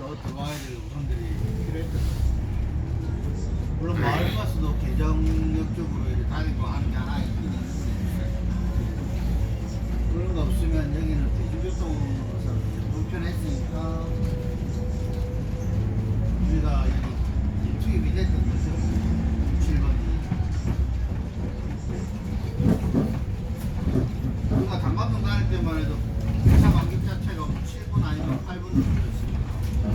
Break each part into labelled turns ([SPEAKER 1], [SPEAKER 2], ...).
[SPEAKER 1] 더 들어와야 될 우선들이 필요했던 거죠. 물론 마을버스도 개정역 쪽으로 이렇게 다니고 하는 게 하나 있긴 있는데 그런 거 없으면 여기는 대중교통으로서 불편했으니까 우리가 여기 투입이 됐던 거죠. 7번이 우리가 단감동 다닐 때만 해도 회사 간격 자체가 7분 아니면 8분으로 걸렸습니다.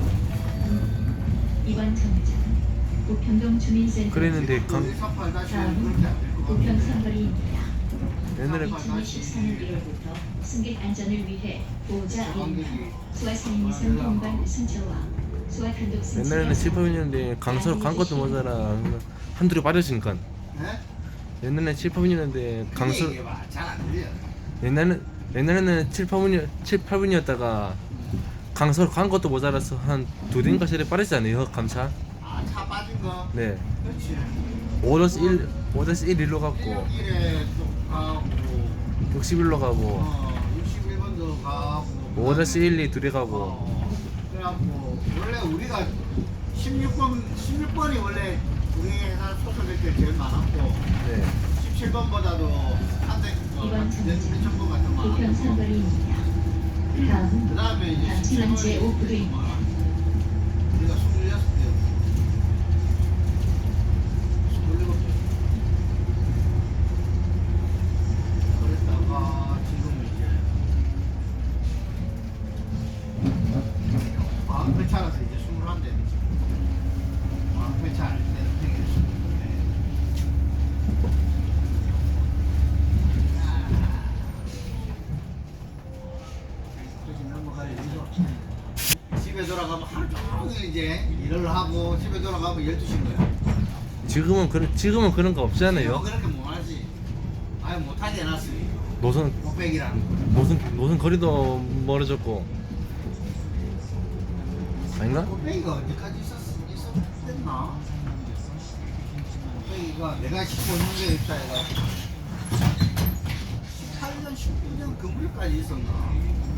[SPEAKER 2] 이번 정류장은 우평동 주민센터
[SPEAKER 3] 그랬는데
[SPEAKER 1] 다음은 우편
[SPEAKER 2] 우편 선거리입니다.
[SPEAKER 3] 옛날에
[SPEAKER 2] 2024년 1월부터 승객 안전을 위해 보호자
[SPEAKER 1] 관객이
[SPEAKER 2] 1인당 수화상인 이상 공간 승차와 수화 단독 승차
[SPEAKER 3] 옛날에는 7, 8분이었는데 강서로 간 것도 모자라 한둘이 빠졌으니까.
[SPEAKER 1] 네?
[SPEAKER 3] 옛날에는 7, 8분이었는데 강서
[SPEAKER 1] 잘안 들려.
[SPEAKER 3] 옛날에는 7, 8분이었다가 강서로 간 것도 모자라서 한 두 대인가 세대 빠르지 않아요? 감차?
[SPEAKER 1] 아, 차 빠진 거?
[SPEAKER 3] 네.
[SPEAKER 1] 그렇지.
[SPEAKER 3] 5-1 1로 갔고
[SPEAKER 1] 161에 또 가고
[SPEAKER 3] 61로 가고
[SPEAKER 1] 61번도 가고
[SPEAKER 3] 5-1이 둘이 가고
[SPEAKER 1] 그래갖고 원래 우리가 16번이 원래 우리 회사 소속될 때 제일 많았고
[SPEAKER 3] 네.
[SPEAKER 1] 17번보다도 한대
[SPEAKER 2] 이번 정류장은
[SPEAKER 1] 몇천 번 같은 거
[SPEAKER 2] 우편
[SPEAKER 1] 많았고
[SPEAKER 2] 선거리입니다.
[SPEAKER 1] 그
[SPEAKER 2] 다음은
[SPEAKER 1] 다음에 이제
[SPEAKER 2] 강진환
[SPEAKER 1] 17번이
[SPEAKER 2] 제5부도입니다.
[SPEAKER 1] 우리가 26대 27대 그랬다가 지금 이제 마음회차라서 이제 21대 마음회차 할 때는 되게 20대 그렇게 넘어갈 일도 없지. 집에 돌아가면 하루 종일 이제 일을 하고 집에 돌아가면 12시인 거야.
[SPEAKER 3] 지금은 그런 거 없잖아요.
[SPEAKER 1] 그렇게 못하지. 아예 못하게 해놨으니.
[SPEAKER 3] 노선
[SPEAKER 1] 목백이라는 거.
[SPEAKER 3] 노선 거리도 멀어졌고 아닌가?
[SPEAKER 1] 목백이가 언제까지 있었나? 목백이가 내가 15년에 있다 해가 18년, 19년 그 무렵까지 있었나?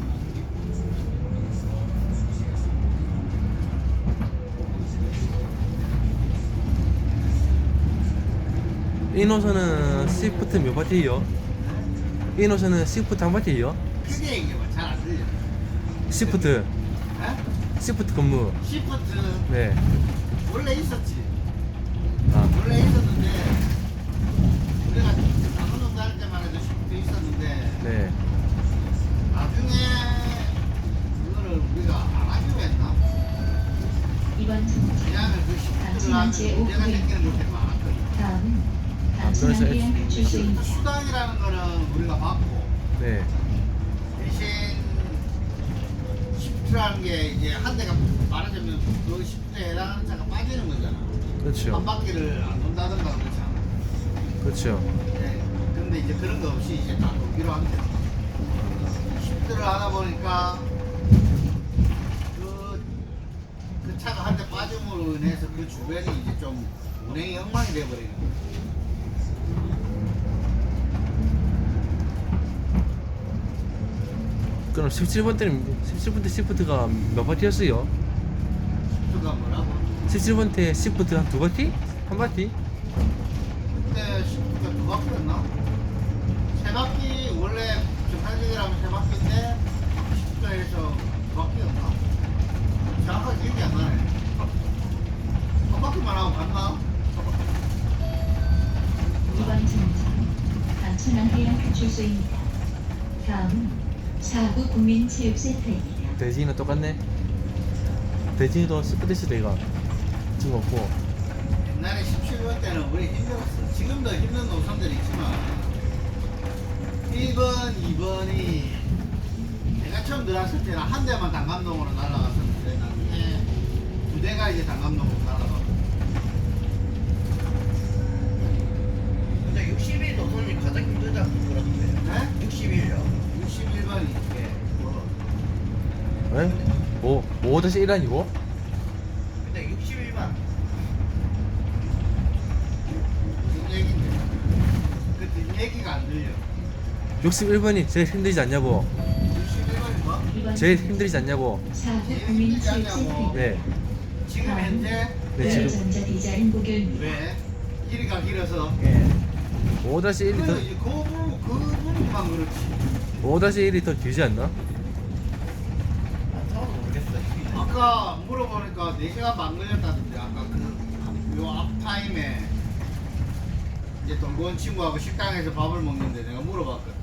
[SPEAKER 3] 이 노선은 시프트 몇 바퀴요? 이 노선은 시프트 한 바퀴요?
[SPEAKER 1] 크게 얘기해봐. 잘 안 들려.
[SPEAKER 3] 시프트
[SPEAKER 1] 에?
[SPEAKER 3] 시프트 근무.
[SPEAKER 1] 시프트
[SPEAKER 3] 네.
[SPEAKER 1] 원래 있었지.
[SPEAKER 3] 아,
[SPEAKER 1] 원래 있었는데 우리가 남원동 다닐 때만 해도 시프트 있었는데
[SPEAKER 3] 네.
[SPEAKER 1] 나중에 그거를 우리가 안 하기로 했나?
[SPEAKER 2] 이번 정류장은
[SPEAKER 1] 왜냐하면 그 시프트를
[SPEAKER 2] 강진환
[SPEAKER 1] 하면 문제가
[SPEAKER 2] 제5부도입니다.
[SPEAKER 1] 생기는 것들이 많았거든.
[SPEAKER 2] 다음은
[SPEAKER 3] 그래서
[SPEAKER 2] 강진환 해양
[SPEAKER 1] 시프트
[SPEAKER 2] 출소입니다.
[SPEAKER 1] 수당이라는 거는 우리가 받고
[SPEAKER 3] 네.
[SPEAKER 1] 대신 시프트라는 게 이제 한 대가 말하자면 그 시프트에 해당하는 차가 빠지는 거잖아. 한
[SPEAKER 3] 그렇죠.
[SPEAKER 1] 바퀴를 안 돈다든가 그렇잖아.
[SPEAKER 3] 그렇죠.
[SPEAKER 1] 네. 근데 이제 그런 거 없이 이제 다 돌기로 한 거야. 시프트를 하다 보니까 그 차가 한 대 빠짐으로 인해서 그 주변이 이제 좀 운행이 엉망이 돼버리는 거야.
[SPEAKER 3] 그럼 17번 때 시프트가 몇 바퀴였어요?
[SPEAKER 1] 시프트가 뭐라고?
[SPEAKER 3] 17번 때 시프트 한 두 바퀴? 한 바퀴?
[SPEAKER 1] 그때 시프트가 두 바퀴였나? 세 바퀴 원래 정상적이라면 세 바퀴인데 시프트에서 두 바퀴였나? 정확하게 기억이 안 나네. 한 바퀴만 하고 갔나?
[SPEAKER 2] 이번 정류장은 강천안 해양 출소입니다. 다음은 사구 국민체육센터입니다.
[SPEAKER 3] 대진이는 똑같네. 대진이도 시프트 시대 이거 지금 없고.
[SPEAKER 1] 옛날에 17번 때는 우리 힘들었어. 지금도 힘든 노선들이 있지만 1번, 2번이 내가 처음 들어왔을 때는 한 대만 단감동으로 날아갔었는데 나중에 두 대가 이제 단감동으로 날아가고
[SPEAKER 4] 근데 60일 노선이 가장 힘들다고 그러던데요.
[SPEAKER 1] 네?
[SPEAKER 4] 60일요.
[SPEAKER 1] 61번이 이렇게 뭐
[SPEAKER 3] 에? 5-1 아니고?
[SPEAKER 4] 근데 60일만
[SPEAKER 1] 무슨 얘기인데 그 뒷얘기가 안 들려.
[SPEAKER 3] 61번이 제일 힘들지 않냐고.
[SPEAKER 1] 61번이 뭐?
[SPEAKER 3] 제일 힘들지 않냐고.
[SPEAKER 2] 사고 국민 체육 센터.
[SPEAKER 3] 네.
[SPEAKER 1] 지금 현재
[SPEAKER 3] 네, 지금
[SPEAKER 2] 전자 디자인 고결입니다.
[SPEAKER 1] 왜 길이가 길어서
[SPEAKER 3] 5-1이 더
[SPEAKER 1] 그 부분만 그렇지.
[SPEAKER 3] 5-1이 더 길지 않나?
[SPEAKER 4] 안 타봐도 모르겠어요.
[SPEAKER 1] 아까 물어보니까 4시간 반 걸렸다던데. 아까 요 앞타임에 이제 돌고 온 친구하고 식당에서 밥을 먹는데 내가 물어봤거든.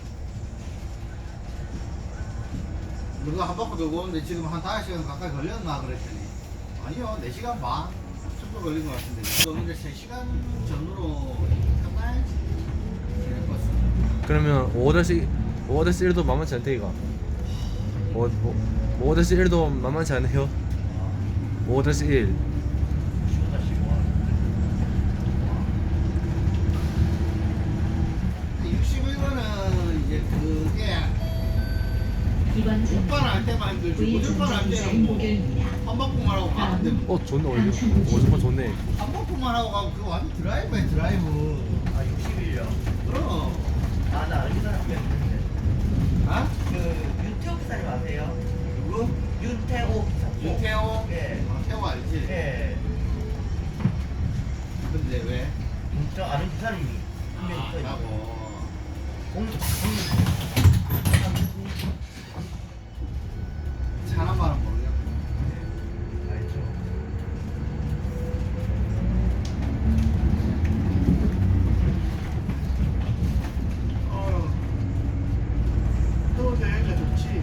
[SPEAKER 1] 너가 한 바퀴 돌고 오는데 지금 한 5시간 가까이 걸렸나 그랬더니 아니요 4시간 반 정도 걸린 것 같은데 근데 3시간 전으로 끝나야지 그랬었어.
[SPEAKER 3] 그러면 5-1도 만만치 않대 이거. 5-1도 만만치 않네요. 5-1.
[SPEAKER 4] 쉬우다 쉬워.
[SPEAKER 1] 61번은 이제 그게
[SPEAKER 2] 이번 전자
[SPEAKER 1] 오빠는 할 때만 힘들지
[SPEAKER 2] V
[SPEAKER 1] 무조건
[SPEAKER 2] 전자
[SPEAKER 1] 할
[SPEAKER 2] 디자인
[SPEAKER 1] 때는 뭐
[SPEAKER 2] 고결입니다.
[SPEAKER 1] 한 바퀴만 하고 가면 되고
[SPEAKER 3] 좋네 오히려. 50번 좋네.
[SPEAKER 1] 한 바퀴만 하고 가면 그거 완전 드라이브야 드라이브.
[SPEAKER 4] 아 61요.
[SPEAKER 1] 그럼
[SPEAKER 4] 아나 아는 사람이 있는데.
[SPEAKER 1] 아?
[SPEAKER 4] 그 윤태호 기사님 아세요?
[SPEAKER 1] 누구?
[SPEAKER 4] 윤태호 기사.
[SPEAKER 1] 윤태호?
[SPEAKER 4] 예.
[SPEAKER 1] 아, 태호 알지?
[SPEAKER 4] 예.
[SPEAKER 1] 근데 왜?
[SPEAKER 4] 저 아는 기사님이 한명 있어요.
[SPEAKER 1] 라고
[SPEAKER 4] 공주
[SPEAKER 1] 사람만은 모르겠고
[SPEAKER 4] 알죠.
[SPEAKER 1] 또 여행가 좋지.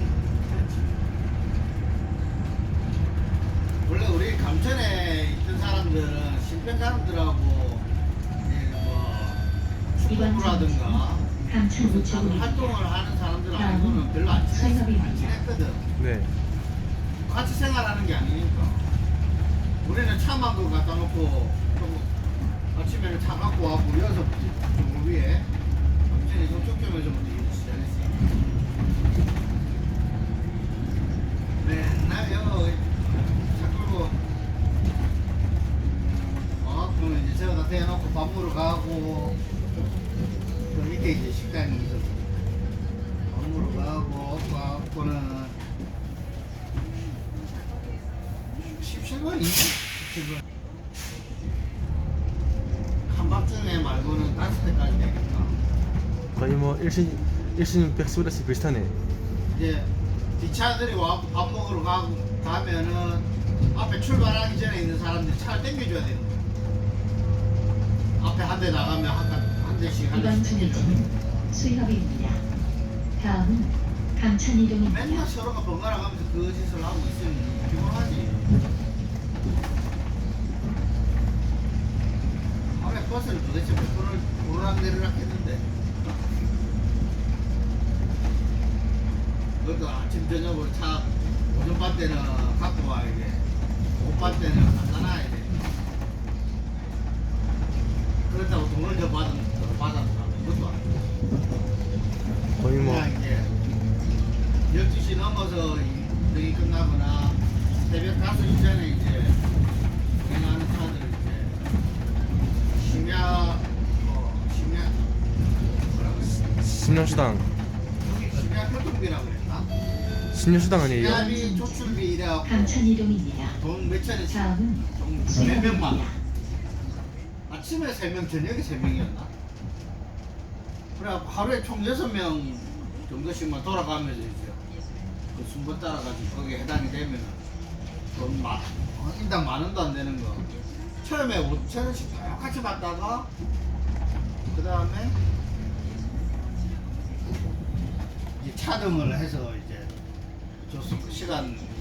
[SPEAKER 1] 원래 우리 감천에 있던 사람들은 신평 사람들하고 이제 뭐 축구라든가
[SPEAKER 2] 감천
[SPEAKER 1] 무슨
[SPEAKER 2] 우체국입니다.
[SPEAKER 1] 활동을 하는 사람들하고는 별로 안 친했거든.
[SPEAKER 3] 네.
[SPEAKER 1] 같이 생활하는 게 아니니까. 우리는 차만 그 갖다 놓고 좀 아침에는 차 갖고 와고 여기서 좀 위에 감천에 저쪽점에서부터 일을 시작했어. 맨날 여기 차 끌고 그러면 이제 저기다 대놓고 밥 먹으러 가고 그 밑에 이제 식당이 있었어. 밥 먹으러 가고는 17번이 17번 한밤중에 말고는 5대까지 되니까
[SPEAKER 3] 거의 뭐 일신 백수레스 비슷하네.
[SPEAKER 1] 이제 뒷차들이 와서 밥 먹으러 가면은 앞에 출발하기 전에 있는 사람들이 차를 당겨줘야 되는 거야. 앞에 한 대 나가면 한 대씩 한
[SPEAKER 2] 이번
[SPEAKER 1] 대씩 당겨줘야 돼.
[SPEAKER 2] 정류장은 수협입니다. 다음은 감천 이동입니다.
[SPEAKER 1] 맨날 서로가 번갈아 가면서 그 짓을 하고 있으니 피곤하지. 원래 버스를 도대체 몇 번을 오르락내리락 했는데 그것도 아침 저녁으로 차 오전반 때는 갖고 와야 돼. 오후반 때는 갖다 놔야 돼. 그렇다고 돈을 더 받았나 그것도 아니고
[SPEAKER 3] 거의 뭐
[SPEAKER 1] 그냥 이제 12시 넘어서 일이 끝나거나 새벽 5시 전에 이제 운행하는 차들을 이제 심야 뭐라고 했어?
[SPEAKER 3] 심야수당.
[SPEAKER 1] 심야 교통비라고 그랬나?
[SPEAKER 3] 심야수당 아니에요?
[SPEAKER 1] 심야비 조출비 이래갖고
[SPEAKER 2] 감천 이동입니다.
[SPEAKER 1] 돈 몇천원씩
[SPEAKER 2] 다음은
[SPEAKER 1] 몇 명만
[SPEAKER 2] 수협입니다.
[SPEAKER 1] 아침에 3명 저녁에 3명이었나? 그래갖고 하루에 총 6명 정도씩만 돌아가면서 이제 그 순번 따라가지고 거기에 해당이 되면은 돈 인당 10,000원도 안 되는 거 처음에 5,000원씩 똑같이 받다가 그 다음에 차등을 해서 이제 줬어. 시간